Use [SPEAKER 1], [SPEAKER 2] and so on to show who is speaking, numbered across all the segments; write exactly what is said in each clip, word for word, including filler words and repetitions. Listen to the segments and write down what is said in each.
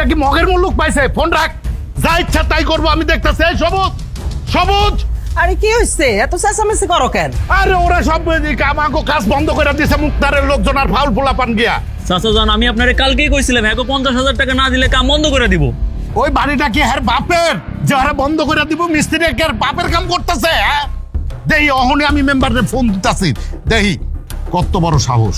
[SPEAKER 1] এটা কি মগের মুল্লুক পাইছে? ফোন রাখ, যা ইচ্ছা তাই করবো আমি দেখতেছি। এই সবুজ, সবুজ,
[SPEAKER 2] আরে কি হইছে এত চেঁচামেচি করো কেন?
[SPEAKER 1] আরে ওরা সব আমাকে কাজ বন্ধ করে দিছে, মুক্তারের লোকজন আর ফাউল পোলা পান গিয়া।
[SPEAKER 3] চাচা জান, আমি আপনারে কালকেই কইছিলাম হ্যাঁ পঞ্চাশ হাজার টাকা না দিলে কাম বন্ধ করে দিব।
[SPEAKER 1] ওই বাড়িটা কি হ্যাঁ বাপের যে হারা বন্ধ করে দিব? মিস্ত্রি কি আর বাপের কাম করতেছে? হ্যাঁ দেহি অহনে আমি মেম্বারের ফোন দিতেছি, দেহি কত বড় সাহস।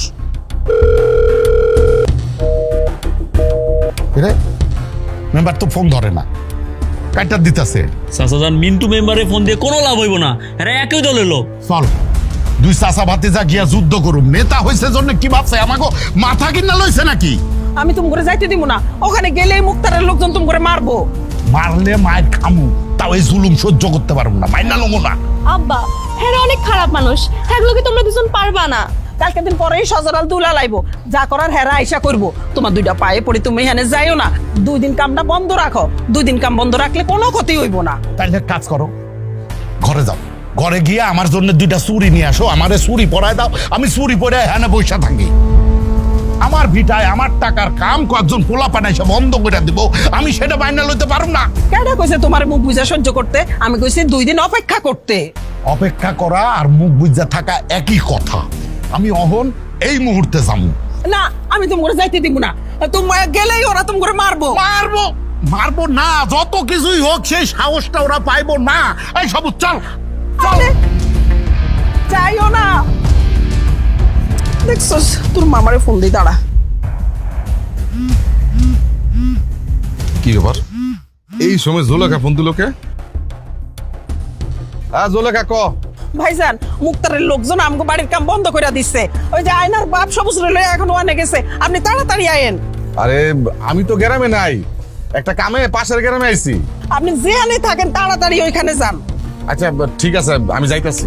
[SPEAKER 1] রে মেম্বার তো ফোন ধরে না, কাইটা দিতেছে।
[SPEAKER 3] চাচা জান, মিন্টু মেম্বারে ফোন দিয়ে কোনো লাভ হইব না, হ্যাঁ একই দলের লোক।
[SPEAKER 1] চল দুই চাচা ভাতিজা গিয়া যুদ্ধ করুম। নেতা হয়েছে জন্য কি ভাবছে আমাকে মাথা কিনা লইছে নাকি?
[SPEAKER 2] আমি তুমি করে যাইতে দিব না, ওখানে গেলেই মুক্তারের লোকজন তুমি করে মারবো।
[SPEAKER 1] মারলে মায়ের খামু, তাও এই জুলুম সহ্য করতে পারবো না, মাইনা লমো না।
[SPEAKER 4] আব্বা হ্যাঁ অনেক খারাপ মানুষ, হ্যাঁ কি তোমরা দুজন পারবা না।
[SPEAKER 2] কালকে দিন পরেই সজরাল দুলা লাইবো, যা করার হেরা আইসা করবো। তোমার দুইটা পায়ে পড়ি, তুমি এখানে যাইও না। দুই দিন কামটা বন্ধ রাখো, দুই দিন কাম বন্ধ রাখলে কোনো ক্ষতি হইব না।
[SPEAKER 1] তাইলে কাজ করো, ঘরে যাও, ঘরে গিয়ে আমার জন্য দুইটা চুরি নিয়ে আসো, আমারে চুরি পরায় দাও, আমি চুরি পরে হ্যাঁ বৈশা থাকি। আমার ভিটায় আমার টাকার কাম কয়েকজন পোলা পানাইসে বন্ধ করে দিব, আমি সেটা মাইনা লইতে পারব না।
[SPEAKER 2] কেডা কইছে তোমার মুখ বুঝা সহ্য করতে? আমি কইছি দুই দিন অপেক্ষা করতে।
[SPEAKER 1] অপেক্ষা করা আর মুখ বুঝা থাকা একই কথা। আমি অহন এই মুহূর্তে যাবো
[SPEAKER 2] না, আমি তুমি করে যাইতে দিব না। তুমি গেলেই ওরা তুমি করে মারবো।
[SPEAKER 1] মারবো মারবো না, যত কিছুই হোক সেই সাহসটা ওরা পাইবো না। এই সব চল চল।
[SPEAKER 2] যাইও না। দেখছস তোর মামারে ফোন দিই, দাঁড়া।
[SPEAKER 5] কি ব্যাপার এই সময় জোলেখা ফোন দিল কে? হ্যাঁ জোলেখা ক।
[SPEAKER 2] ভাইজান, মুক্তারের লোকজন আমগো বাড়ির কাম বন্ধ করে দিচ্ছে। ওই যে আয়নার বাপ সবুজ রইল, এখন ওয়ানে গেছে। আপনি তাড়াতাড়ি আয়েন।
[SPEAKER 5] আরে আমি তো গ্রামে নাই, একটা কামে পাশের গ্রামে আইছি।
[SPEAKER 2] আপনি যেখানে থাকেন তাড়াতাড়ি ওইখানে যান।
[SPEAKER 5] আচ্ছা ঠিক আছে, আমি যাইতাছি।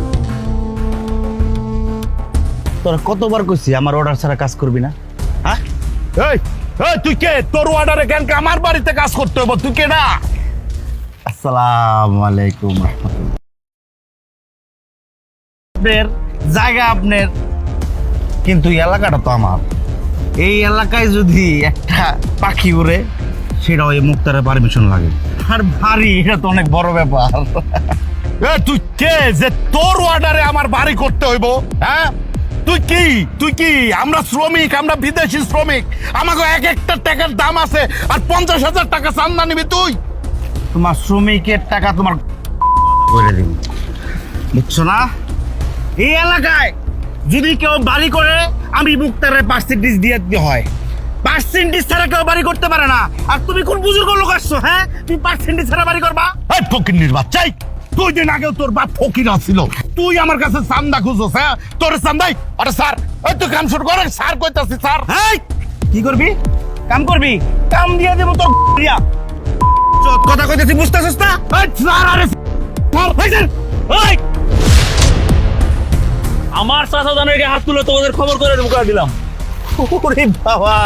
[SPEAKER 6] তোরা কতবার কইছি আমার অর্ডার ছাড়া কাজ করবি না? হ্যাঁ
[SPEAKER 1] এই এই তুই কে? তোর অর্ডারে কেন আমার বাড়িতে কাজ করতে হবে? তুই কে? না
[SPEAKER 6] আসসালামু আলাইকুম রাহমাতুল্লাহ। আপনার জায়গা আপনার, কিন্তু এই এলাকাটা তো আমার। এই এলাকায় যদি একটা পাখি উড়ে, সেটা ওই মুক্তারের পারমিশন লাগে। আর ভারী, এটা তো অনেক বড় ব্যাপার।
[SPEAKER 1] এ তুই কে যে তোর অর্ডারে আমার বাড়ি করতে হইব? হ্যাঁ তুই কি তুই কি আমরা শ্রমিক, আমরা বিদেশি শ্রমিক, আমাকে এক একটা টাকার দাম আছে, আর পঞ্চাশ হাজার টাকা চান্দা নিবি তুই?
[SPEAKER 6] তোমার শ্রমিকের টাকা তোমার করে দিব, বুঝছো না? এই এলাকায় যদি কেউ বাড়ি করে, আমি মুক্তারের পার্সেন্টেজ দিয়ে দিতে হয়। পার্সেন্টেজ ছাড়া কেউ বাড়ি করতে পারে না। আর তুমি কোন বুজুর্গ লোক আসছো? হ্যাঁ, তুমি পার্সেন্টেজ ছাড়া বাড়ি করবা?
[SPEAKER 1] এই ফকির বাচ্চাই, দুই দিন আগেও তোর বাপ ফকির আসছিল, তুই আমার কাছে চান্দা খুঁজছ? হ্যাঁ তোর চান্দাই? আরে স্যার, এই তুই কাম শুরু কর। স্যার কইতাছি স্যার।
[SPEAKER 6] হ্যাঁ, কি করবি? কাম করবি? কাম দিয়ে দেবো তোর দিয়া। চোদ কথা কইতেছি, বুঝতেছিস না?
[SPEAKER 1] এই স্যার, আরে স্যার, এই স্যার, এই
[SPEAKER 3] আমার চাচা জানের হাত তুলে তোমাদের খবর করে মুখা দিলাম।
[SPEAKER 6] ওরে বাবা,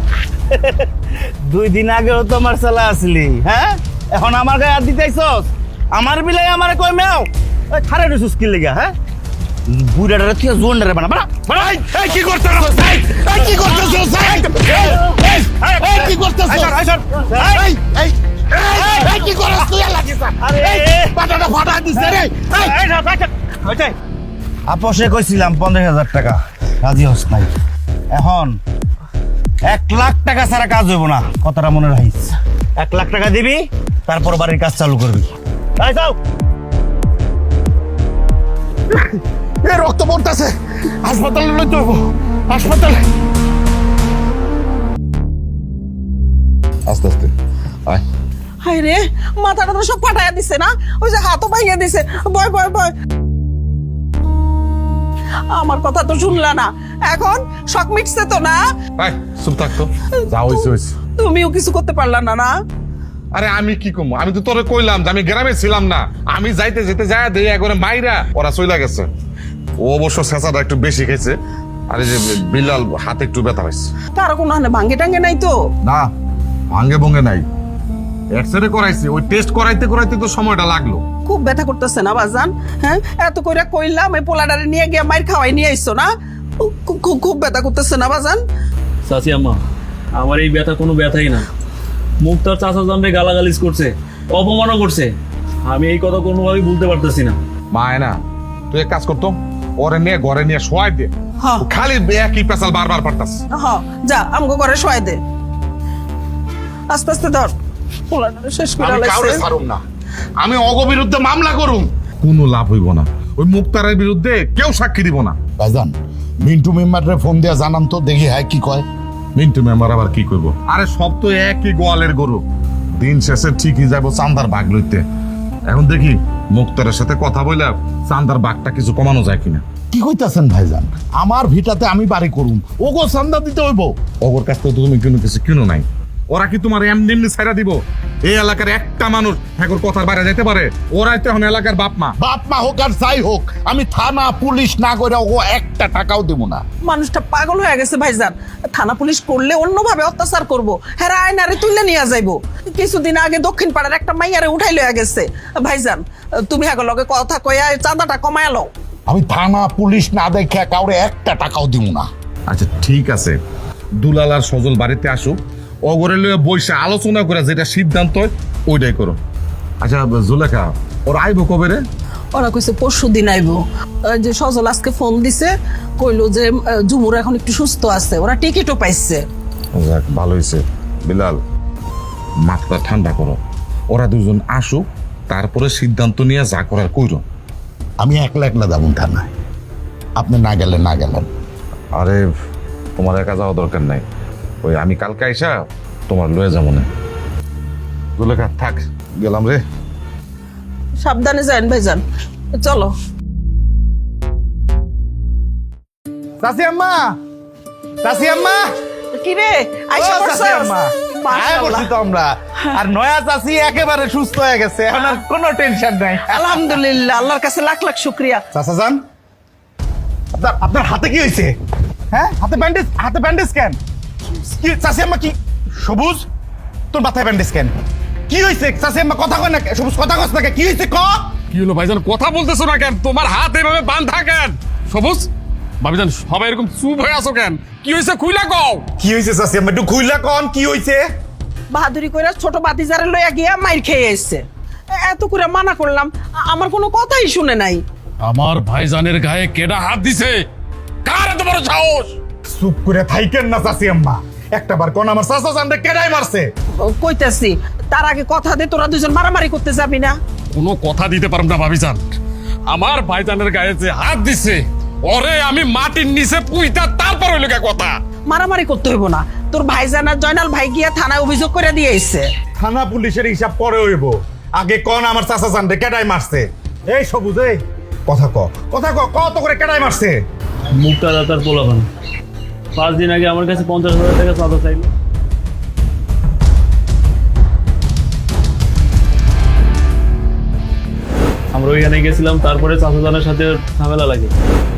[SPEAKER 6] দুই দিন আগেও তো আমার চালা আসলি, হ্যাঁ? এখন আমার গায়ে হাত দিতেছস? আমার বিলাই আমার কই মেও খারে রইছস কি লাগা? হ্যাঁ, বুড়াটারে তুই জোনডারে বানা বানা বানা।
[SPEAKER 1] এই এই কি করতেছ? এই এই কি করতেছ? এই এই এই কি করতেছ?
[SPEAKER 6] আইসর আইসর
[SPEAKER 1] এই এই এই কি করছ তুই? লাগিস
[SPEAKER 6] আরে
[SPEAKER 1] পাটাটা ফাটা দিছে রে। এই
[SPEAKER 6] আইসর আইসর ওইটাই আপসে কইছিলাম পঞ্চাশ হাজার টাকা, রাজি হস নাই। এখন এক লাখ টাকা ছাড়া কাজ হইব না, কথাটা মনে রাখিস। এক লাখ টাকা দিবি, তারপর বাড়ির কাজ চালু করবি। এই যাও।
[SPEAKER 1] এ রক্ত পড়তেছে, হাসপাতালে লইতে হইব, হাসপাতালে।
[SPEAKER 5] আস্তে আস্তে আয়।
[SPEAKER 2] হায় রে, মাথাটা তো সব ফাটাইয়া দিছে না? ওই যে হাতও ভাঙিয়ে দিছে। বয় বয় বয়। আমার কথা তো শুনলা না, এখন শক মিটছে তো না?
[SPEAKER 5] আয় চুপ থাক তো, যা হইছে হইছে।
[SPEAKER 2] তুমিও কিছু করতে পারলা না না?
[SPEAKER 5] আরে আমি কি কমু? আমি তো তোরে কইলাম যে আমি গ্রামে ছিলাম না। আমি যাইতে যেতে যায় দেই একবারে মাইরা ওরা চইলা গেছে। ও অবশ্য ছেঁচাটা একটু বেশি খেয়েছে, আর এই যে বিলাল হাতে একটু ব্যথা হয়েছে।
[SPEAKER 2] কারো কোনো হানে ভাঙ্গে টাঙ্গে নাই তো?
[SPEAKER 5] না, ভাঙ্গে ভঙ্গে নাই, এক্সরে করাইছি। ওই টেস্ট করাইতে করাইতে তো সময়টা লাগলো।
[SPEAKER 2] খুব ব্যথা করতেছে না বাজান? হ্যাঁ, এত কইরা কইলাম এই পোলাডারে নিয়ে গিয়ে মাইর খাওয়াই নিয়ে আইছো না? খুব খুব ব্যথা করতেছে না বাজান?
[SPEAKER 3] চাচি আম্মা, আমার এই ব্যথা কোনো ব্যথাই না। মুক্তার চাচা জানরে গালাগালিজ করছে, অপমানও করছে। আমি এই কথা কোনোভাবেই বলতে পারতেছি না।
[SPEAKER 5] মা না তুই এক কাজ করতো, ওরে নিয়ে ঘরে নিয়ে শোয়াই দে।
[SPEAKER 2] হ্যাঁ।
[SPEAKER 5] ও খালি একই পেশাল বারবার পারতাস।
[SPEAKER 2] হ যা আমগো ঘরে শোয়াই দে, আস্তে আস্তে ধর, পোলাটারে শেষ করে
[SPEAKER 1] আমি কাউরে
[SPEAKER 2] লাইছে।
[SPEAKER 1] ছাড়ুম না, আমি অগ বিরুদ্ধে মামলা করুম।
[SPEAKER 5] কোনো লাভ হইব না, ওই মুক্তারের বিরুদ্ধে কেউ সাক্ষী দিব না।
[SPEAKER 1] ভাইজান মিন্টু মেম্বারে ফোন দিয়া জানান তো, দেখি হ্যাঁ কি কয়।
[SPEAKER 5] মিন্টু মেম্বার আবার কি করবো? আরে সব তো একই গোয়ালের গরু, দিন শেষে ঠিকই যাবো চান্দার ভাগ লইতে। এখন দেখি মুক্তারের সাথে কথা বললে চান্দার ভাগটা কিছু কমানো যায় কিনা।
[SPEAKER 1] কি কইতাছেন ভাইজান? আমার ভিটাতে আমি বাড়ি করুম, ওগো চান্দা দিতে হইব।
[SPEAKER 5] ওর কাছ থেকে তো তুমি কোনো কিছু কিনো নাই, ওরা কি তোমার এমনি এমনি ছাইরা দিব? এই এলাকার একটা মানুষ হ্যাঁ কথার বাইরে যেতে পারে? ওরাই তো এখন এলাকার বাপ মা।
[SPEAKER 1] বাপ মা হোক আর যাই হোক, আমি থানা পুলিশ না করে ওগো একটা টাকাও দেব না।
[SPEAKER 2] মানুষটা পাগল হয়ে গেছে ভাইজান, থানা পুলিশ করলে অন্যভাবে অত্যাচার করবো, হ্যাঁ আয়নারে তুলে নিয়ে যাইবো। কিছুদিন আগে দক্ষিণ পাড়ার একটা মাইয়ারে উঠাই লয়ে গেছে। ভাইজান তুমি হ্যাঁ লগে কথা কয়া চাঁদাটা কমায় লও।
[SPEAKER 1] আমি থানা পুলিশ না দেখে কাউরে একটা টাকাও দিব না।
[SPEAKER 5] আচ্ছা ঠিক আছে, দুলাল আর সজল বাড়িতে আসুক, অগরে লয়ে বসে আলোচনা করে যেটা সিদ্ধান্ত হয় ওইটাই করো। আচ্ছা জুলেখা, ওর আইবো কবে রে?
[SPEAKER 2] ওরা কইছে পরশু দিন আইবো। ওই যে সজল আজকে ফোন দিছে, কইলো যে আহ, ঝুমুর এখন একটু সুস্থ আছে, ওরা টিকিটও পাইছে।
[SPEAKER 5] যাক ভালো হয়েছে। বিলাল মাথা ঠান্ডা করো, ওরা দুজন আসুক, তারপরে সিদ্ধান্ত নিয়ে যা করার কইরো।
[SPEAKER 1] আমি একলা একলা যাবো থানায়, আপনি না গেলে না গেলেন।
[SPEAKER 5] আরে তোমার একা যাওয়া দরকার নাই, ওই আমি কালকে আইসা তোমার লয়ে যাবো না। জুলেখা থাক, গেলাম রে।
[SPEAKER 2] সাবধানে যান ভাইজান, চলো।
[SPEAKER 6] চাচি আম্মা, চাচি আম্মা,
[SPEAKER 2] কি রে আইসা
[SPEAKER 6] ও চাচি
[SPEAKER 2] পড়ছস?
[SPEAKER 6] আম্মা, আয়া
[SPEAKER 2] মাশাআল্লাহ।
[SPEAKER 6] করছি তো আমরা। আর নয়া চাচি একেবারে সুস্থ হয়ে গেছে, এখন আর কোনো টেনশন নাই।
[SPEAKER 2] আলহামদুলিল্লাহ, আল্লাহর কাছে লাখ লাখ শুকরিয়া।
[SPEAKER 6] চাচা যান, আপনার আপনার হাতে কি হয়েছে? হ্যাঁ হাতে ব্যান্ডেজ, হাতে ব্যান্ডেজ কেন? কি চাচি আম্মা কি? সবুজ তোর মাথায় ব্যান্ডেজ কেন? কি হয়েছে চাচি আম্মা? কথা কয় না কে? সবুজ কথা কস না কে? কি হয়েছে ক?
[SPEAKER 7] কি হলো ভাইজান, কথা বলতেছো না কেন? তোমার হাত এভাবে বাঁধা কেন? সবুজ ভাবিজান সবাই এরকম চুপ হয়ে আছো কেন? কি হয়েছে খুইলা কও।
[SPEAKER 6] কি হয়েছে চাচি আম্মা? একটু খুইলা কন কি হয়েছে?
[SPEAKER 2] বাহাদুরি কইরা ছোট বাতিজারে লইয়া গিয়া মাইর খেয়ে এসছে। এত করে মানা করলাম, আ- আমার কোনো কথাই শুনে নাই।
[SPEAKER 7] আমার ভাইজানের গায়ে কেডা হাত দিছে? কার এত বড় সাহস?
[SPEAKER 6] চুপ করে থাইকেন না চাচি আম্মা, একটা বার কোন আমার চাচা জানতে কেডাই মারছে?
[SPEAKER 2] ও, কইতাছি তার আগে কথা দে, তোরা দুজন মারামারি করতে যাবি না।
[SPEAKER 7] কোনো কথা দিতে পারব না ভাবিজান। আমার ভাইজানের গায়ে যে হাত দিছে, ওরে আমি মাটির নিচে পুইতা তারপর হইল কে কথা।
[SPEAKER 2] মারামারি করতে হইব না, তোর ভাইজান আর জয়নাল ভাই গিয়া থানায় অভিযোগ করে দিয়ে এসছে।
[SPEAKER 6] থানা পুলিশের হিসাব পরে হইব, আগে কোন আমার চাচা জানতে কেডাই মারছে? এই সবুজ এই কথা ক, কথা ক, কত করে কেডাই মারছে?
[SPEAKER 3] মুক্তা দাতার পোলাপান পাঁচ দিন আগে আমার কাছে পঞ্চাশ হাজার টাকা চাঁদা চাইল। আমরা ওইখানে গেছিলাম, তারপরে চাচাজানের সাথে ঝামেলা লাগে।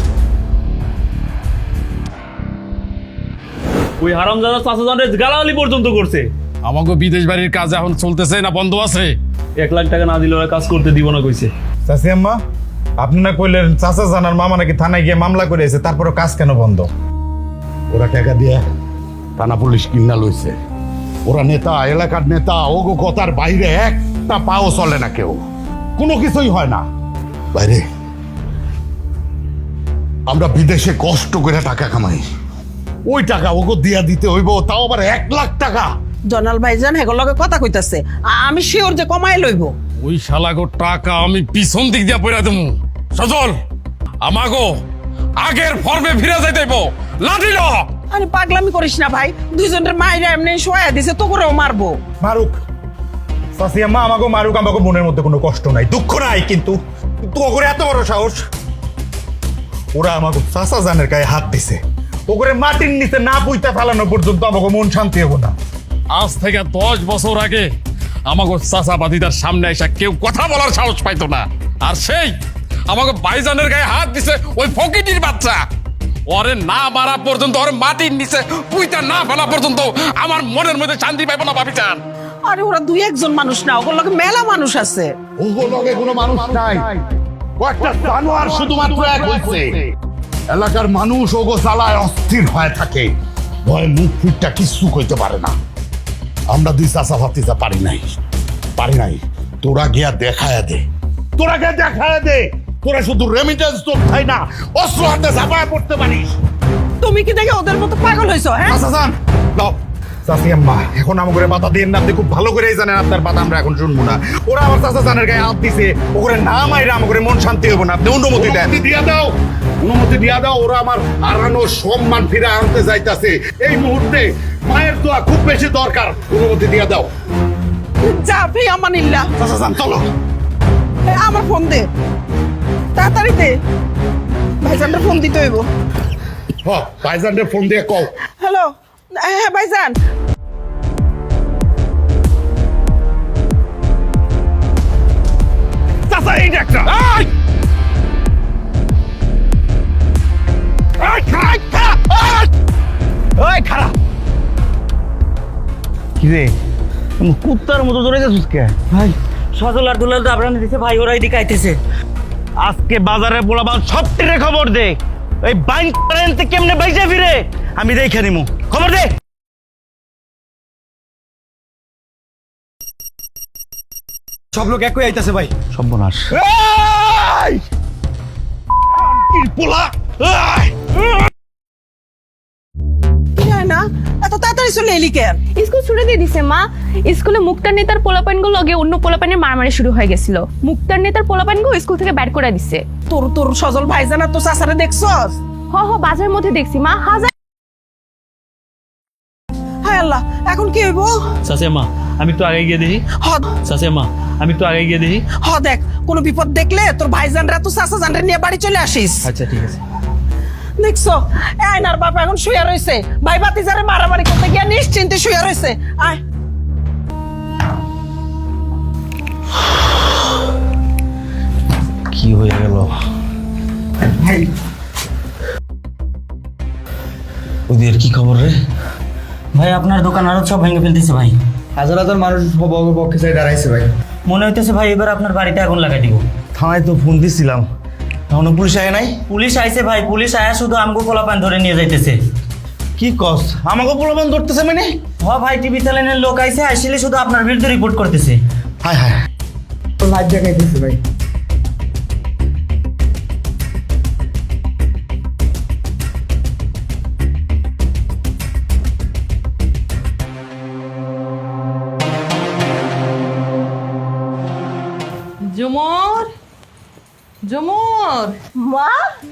[SPEAKER 3] ওই হারামজাদা চাচাজানের গালাগালি পর্যন্ত করছে।
[SPEAKER 7] আমাকে বিদেশ বাড়ির কাজ এখন চলতেছে না বন্ধ আছে?
[SPEAKER 3] এক লাখ টাকা না দিলে ওরা কাজ করতে দিব না কইছে।
[SPEAKER 6] চাচি আম্মা, আপনি না কইলেন চাচা জানার মামা নাকি থানায় গিয়ে মামলা করে এসে, তারপরে কাজ কেন বন্ধ?
[SPEAKER 1] ওরা টাকা দিয়ে থানা পুলিশ কিনা লইছে। ওরা নেতা, এলাকার নেতা, ওগো কথার বাইরে একটা পাও চলে না, কেউ কোনো কিছুই হয় না বাইরে। আমরা বিদেশে কষ্ট করে টাকা কামাই, ওই টাকা ওগো দিয়া দিতে হইব, তাও আবার এক লাখ টাকা।
[SPEAKER 2] জয়নাল ভাইজান হেগোর লগে কথা কইতাছে, আ- আমি শিওর যে কমাই লইব।
[SPEAKER 7] ওই শালাগো টাকা আমি পিছন দিক দিয়া পয়রা দেবো। সজল আমাগো আগের ফর্মে ফিরে যাইতেইব, লাঠি ল।
[SPEAKER 2] আরে পাগলামি করিস না ভাই, দুইজনের মাইরা এমনি শোয়া দিছে, তো করেও মারবো।
[SPEAKER 6] মারুক চাচি আম্মা, আমাকে মারুক, আমাকে মনের মধ্যে কোনো কষ্ট নাই, দুঃখ নাই, কিন্তু কিন্তু ওগরে এত বড় সাহস, ওরা আমাকে চাচা জানের গায়ে হাত দিছে, ওগরে মাটির নিচে না পুইতা ফেলানো পর্যন্ত আমাকে মন শান্তি হবো না।
[SPEAKER 7] আজ থেকে দশ বছর আগে আমাকে চাচা বাদিদার সামনে এসে কেউ কথা বলার সাহস পাইতো না, আর সেই আমাকে ভাইজানের গায়ে হাত দিছে ওই ফকিটির বাচ্চা। ওরে না মারা পর্যন্ত, ওরে মাটির নিচে পুইতা না ফেলা পর্যন্ত আমার মনের মধ্যে শান্তি পাইব না ভাবিচান।
[SPEAKER 2] আরে ওরা দুই একজন মানুষ না, ওগুলোর লগে মেলা মানুষ আছে।
[SPEAKER 1] ওগো লগে কোনো মানুষ নাই, কয়েকটা জানোয়ার শুধুমাত্র এক হইছে। এলাকার মানুষ ওগো চালায় অস্থির হয়ে থাকে, ভয় মুখ ফুটটা কিচ্ছু কইতে পারে না। আমরা দুই চাচা ভাতিজা পারি নাই পারি নাই তোরা গিয়া দেখায় দে তোরা গিয়া দেখায় দে তোরা শুধু রেমিটেন্স তো খাই না অস্ত্র হাতে ঝাঁপায় পড়তে পারিস।
[SPEAKER 2] তুমি কি দেখে ওদের মতো পাগল হইছো হ্যাঁ
[SPEAKER 6] চাচা যান দাও চাচি আম্মা এখন আমাকে বাধা দিয়ে না, আপনি খুব ভালো করেই জানেন আপনার বাধা আমরা এখন শুনবো না। ওরা আমার চাচা জানের গায়ে হাত দিছে, ওরে না মাইরা আমাকে মন শান্তি হবো না, আপনি অনুমতি দেন।
[SPEAKER 1] অনুমতি দিয়া দাও অনুমতি দিয়া দাও ওরা আমার হারানো সম্মান ফিরে আনতে যাইতাছে এই মুহূর্তে মায়ের দোয়া খুব বেশি দরকার অনুমতি দিয়া দাও।
[SPEAKER 2] যা ফি আমানিল্লাহ।
[SPEAKER 6] চাচা যান চলো।
[SPEAKER 2] এ, আমার ফোন দে তাড়াতাড়ি দে ভাইজানের ফোন দিতে হইব।
[SPEAKER 1] হ ভাইজানের ফোন দিয়ে কও।
[SPEAKER 2] হ্যালো হ্যাঁ ভাইজান
[SPEAKER 1] চাচা এই যে একটা এই! এই, খাড়া, খাড়া, এই!
[SPEAKER 6] ওই খারাপ কি রে কুত্তার মতো জোরে গেছিস কে?
[SPEAKER 8] ভাই সজল আর দুলাল তো আপনার দিছে ভাই, ওরা এদিকে আইতেছে।
[SPEAKER 6] আজকে বাজারে পোলাপান সব টিরে খবর দে, এই বাইন কারেন্ট কেমনে বাইজে ফিরে আমি দেখে নিমু, খবর দে। সব লোক একই আইতাছে ভাই। সর্বনাশ।
[SPEAKER 1] এই! কি পোলা এই!
[SPEAKER 2] না এত তাড়াতাড়ি চলে এলি কেন?
[SPEAKER 4] স্কুল ছুটি দিয়ে দিছে মা। স্কুলে মুক্তার নেতার পোলাপাইনগুলো লগে অন্য পোলাপাইনের মারামারি শুরু হয়ে গেছিল। মুক্তার নেতার পোলাপাইনগুলো স্কুল থেকে বের করে দিছে।
[SPEAKER 2] তোর তোর সজল ভাইজান আর তোর চাচারে দেখছস?
[SPEAKER 4] হ হ বাজারের মধ্যে দেখছি মা। হাজার
[SPEAKER 2] হায় আল্লাহ এখন কি হইব?
[SPEAKER 3] চাচা মা আমি একটু আগে গিয়ে দেখি।
[SPEAKER 2] হ
[SPEAKER 3] চাচা মা আমি একটু আগে গিয়ে দেখি।
[SPEAKER 2] হ দেখ কোনো বিপদ দেখলে তোর ভাইজানরা তো চাচা জানরে নিয়ে বাড়ি চলে আসিস।
[SPEAKER 3] আচ্ছা ঠিক আছে।
[SPEAKER 2] দেখছো এই আয়নার বাপ এখন শুয়ে রইছে, ভাই ভাতিজারে মারামারি করতে গিয়ে নিশ্চিন্তে শুয়ে রইছে। আয়
[SPEAKER 6] কি হয়ে গেল
[SPEAKER 8] ভাই
[SPEAKER 6] ওদের কি খবর রে?
[SPEAKER 8] ভাই আপনার দোকান আরো সব ভেঙে ফেলতেছে ভাই।
[SPEAKER 9] হাজার হাজার মানুষ পক্ষে চাই দাঁড়াইছে ভাই।
[SPEAKER 8] মনে হইতেছে ভাই এবার আপনার বাড়িতে আগুন লাগাই দিব।
[SPEAKER 6] থানায় তো ফোন দিছিলাম, এখনো পুলিশ আয় নাই।
[SPEAKER 8] পুলিশ আইছে ভাই, পুলিশ আয়া শুধু আমগো পোলাপান ধরে নিয়ে যাইতেছে।
[SPEAKER 6] কি কস আমাকে পোলাপান ধরতেছে মানে?
[SPEAKER 8] হ ভাই টিভি চ্যানেলের লোক আইছে, আইসিলে শুধু আপনার বিরুদ্ধে রিপোর্ট করতেছে।
[SPEAKER 6] হায় হায়
[SPEAKER 9] লাইভ দেখাইতেছে ভাই।
[SPEAKER 2] জুমর জুমর
[SPEAKER 10] মা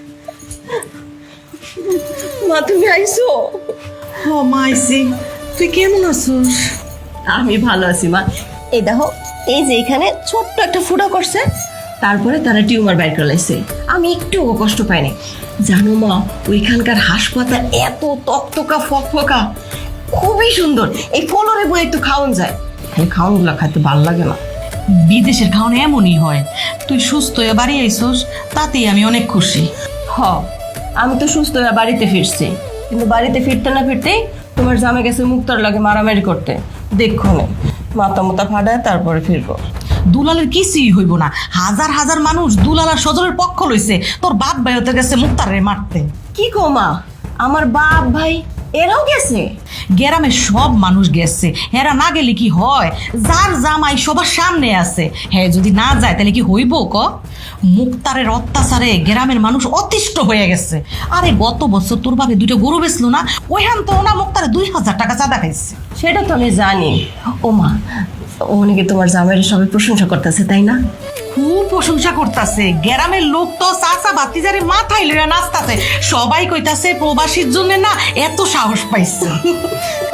[SPEAKER 10] মা তুমি আইছো?
[SPEAKER 2] ও মা আইছি, তুই কেমন আছিস?
[SPEAKER 10] আমি ভালো আছি মা। এই দেখো এই যে এখানে ছোট্ট একটা ফুটা করছে, তারপরে তারা টিউমার বাইর করে লাইছে। আমি একটুও কষ্ট পাইনি জানো মা। ওইখানকার হাসপাতাল এত তকতকা ফকফকা, খুবই সুন্দর। এই কলরে বই একটু খাওয়ান যায়, এই খাওয়ানগুলো খাইতে ভালো লাগে না।
[SPEAKER 11] বিদেশের খাওয়ানো এমনই হয়। তুই সুস্থ হয়ে বাড়ি আইসোস, তাতেই আমি অনেক খুশি।
[SPEAKER 10] হ আমি তো সুস্থ হয়ে বাড়িতে ফিরছি, কিন্তু বাড়িতে ফিরতে না ফিরতেই তোমার জামে গেছে মুক্তার লাগে মারামারি করতে। দেখো না মাথা মোতা ফাটায় তারপরে ফিরবো।
[SPEAKER 11] দুলালের কিছুই হইব না। হাজার হাজার মানুষ দুলাল আর সজলের পক্ষ লইছে, তোর বাপ ভাই হতে গেছে মুক্তারে মারতে।
[SPEAKER 10] কি কো মা, আমার বাপ ভাই এরাও গেছে?
[SPEAKER 11] গ্রামের সব মানুষ গেছে, হেরা না গেলে কি হয়? যার জামাই সবার সামনে আছে, হ্যাঁ যদি না যায় তাহলে কি হইব ক? মুক্তারের অত্যাচারে গ্রামের মানুষ অতিষ্ঠ হয়ে গেছে। আরে গত বছর তোর বাপে দুটো গরু বেচলো না, ওইখান তো না মুক্তারে দুই হাজার টাকা চাঁদা খাইছে।
[SPEAKER 10] সেটা তো আমি জানি। ও মা ওনাকে তোমার জামাইয়ের সবাই প্রশংসা করতেছে তাই না?
[SPEAKER 11] খুব প্রশংসা করতেছে। গ্রামের লোক তো চাচা বাতিজারে মাথায় লইয়া নাচতাছে, সবাই কইতাছে প্রবাসীর জন্য না এত সাহস পাইছে।